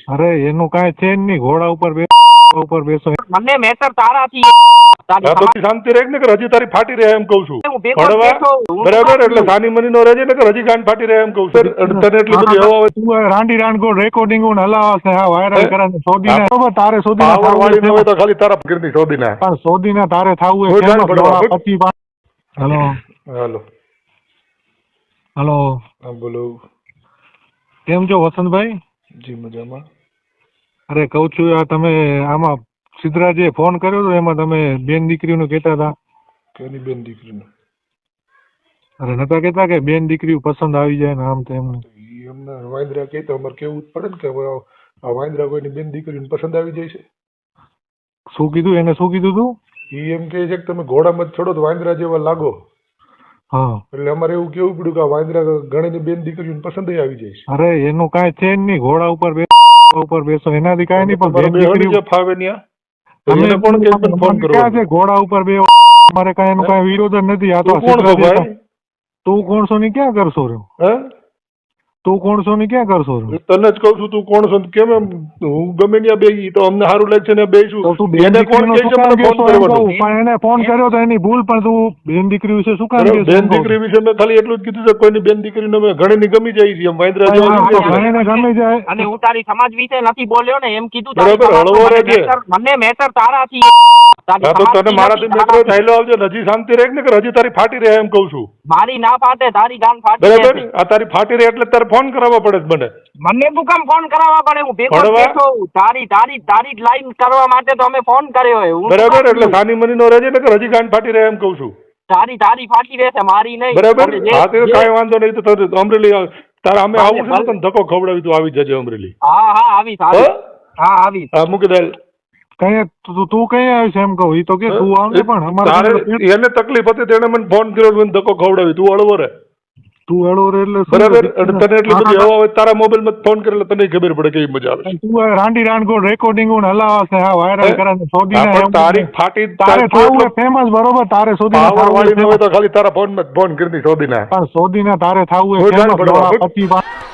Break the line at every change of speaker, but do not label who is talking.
અરે એનું કાંઈ છે જ નહીં, ઘોડા ઉપર બેસો.
મને મેટર તારાથી
હા તો શાંતિ રહે ને કે હજી તારી ફાટી રહે એમ કહું છું.
હું ભેગો
ભણવા
બેઠો, હું
બરાબર, એટલે
શું
સાની મની નો રહેજે ને કે હજી ગાંઠ ફાટી રહે એમ કહું છું. તને એટલી બધી હવા હોય
તું રાંડી રાંડગોળ રેકોર્ડિંગ હલાવા છે, આ વાયરલ કરે છે. સોદીને બરોબર તારે
પાવર
સોદીને
વાળી ન હોય તો ખાલી તારા ફકીરની શોધીના.
પણ સોદીને તારે થાવું
કોઈ
હોય
જાણ પડવા.
હલો
હાલો
હલો,
હા બોલો.
કેમ છો વસંતભાઈ?
જી મજામાં.
અરે કહું છું આ તમે આમાં સિદ્ધરાજે ફોન કર્યો હતો, એમાં તમે બેન દીકરીનું કહેતા હતા.
કેની બેન દીકરીને?
અરે નતા કહેતા કે બેન દીકરી પસંદ આવી જાય ને આમ તેમ?
એમને વાંદરા કહે તો અમારે કેવું જ પડે ને કે હવે આ વાંદરા કોઈની બેન દીકરીને પસંદ આવી જાય છે.
શું કીધું એને? શું કીધું તું?
એ એમ કહે છે કે તમે ઘોડામાં જ છોડો તો વાંદરા જેવા લાગો.
હા,
એટલે અમારે એવું કેવું પડ્યું કે આ વાંદરા ઘણીની બેન દીકરીને પસંદ આવી જાય છે.
અરે એનું કાંઈ છે જ નહીં, ઘોડા ઉપર બેસો એનાથી કાંઈ નહીં. પણ બેન દીકરી
ફાવે ન્યા
અમે
કોણ કે મને ફોન કરો?
ક્યાં છે ઘોડા ઉપર બે? મારે કાંઈ એનું કાંઈ વિરોધ જ નથી. આ તો
કોણ છો ભાઈ?
તું કોણ છો ને ક્યાં કરશો રહ્યો?
હે
તું કોણ છો ને ક્યાં કરશો રહ્યો?
તને જ કહું છું તું કોણ છો? કેમ એમ હું ગમે ત્યાં બેસી તો અમને સારું લાગશે ને બેસું.
તો તું બેન
એને કોણ
દીકરીનો
કહે
શું
છે
કામ
મને ફોન
કહેશો એમ
કરવાનો?
કહું. પણ એને ફોન કર્યો તો એની ભૂલ, પણ તું બેન દીકરી વિશે શું કામ કહેશો?
બેન દીકરી વિશે મેં ખાલી એટલું જ કીધું છે કોઈની બેન દીકરીને અમે ઘણીની ગમી જાય છે એમ વાંદરા જેવા
હા,
ગમી
તો
જાય છે.
ઘણીને ગમી જાય.
અને હું તારી સમાજ વિશે નથી બોલ્યો ને એમ કીધું.
બરાબર,
તારી
હળવો
સમાજમાં
રહેજે.
મને મેટર તારાથી
હા તો તને મારાથી મેટર થયેલો આવજો ને હજી શાંતિ રહે ને કે હજી તારી ફાટી રહે એમ કહું છું.
મારી ના ફાટે, તારી ગાન ફાટી
બરાબર,
જશે.
આ તારી ફાટી રહે એટલે તારે ફોન કરાવવા પડે છે મને.
મને તું કામ ફોન કરાવવા પડે? હું ભેગો જ
ભણવા?
બેઠો છું. તારી જ લાઈન કરવા માટે તો અમે ફોન કર્યો હોય. હું શું
બરાબર,
કામ
એટલે
કરું?
સાની મની નો રહેજે ને કે હજી ગાંઠ ફાટી રહે એમ કહું છું.
તારી ફાટી રહેશે, મારી નહીં.
બરાબર,
અને જે-
હા તો
જે-
કાંઈ વાંધો નહીં. તો તને અમરેલી તારા અમે
ભલે,
આવું છે ને
ભલે.
તને ધક્કો ખવડાવી તું આવી જજે અમરેલી.
હા આવીશ. હા આવીશ.
હા મૂકી દે.
કઈ તું કઈ આવ્યો છે એમ કહું? ઈ તો કે તું આવ ને, પણ
તારે
અમારે
એને તકલીફ હતી તેને મને ફોન કર્યો મને ધક્કો ખવડાવી. તું હળવો રે.
તું હળવો રે એટલે શું?
બરાબર, અને તને એટલી બધી હવા હોય તારા મોબાઈલ માં ફોન કરે તને ખબર પડે કેવી મજા આવે છે.
તું આ રાંડી રાંડગોળ રેકોર્ડિંગ હલાવા છે, આ વાયરલ કરે છે. સોદીને
હા, પણ
એમ
તારી ફાટી
તારે થાવું ફેમસ, બરોબર? તારે સોદીને
પાવર વાળી ન
થાવું
હોય તો ખાલી તારા ફોન માં ફોન કરી શોધીના.
પણ સોદીને તારે થાવું
કોઈ
હોય
જાણ
famous,
પડવા.
પછી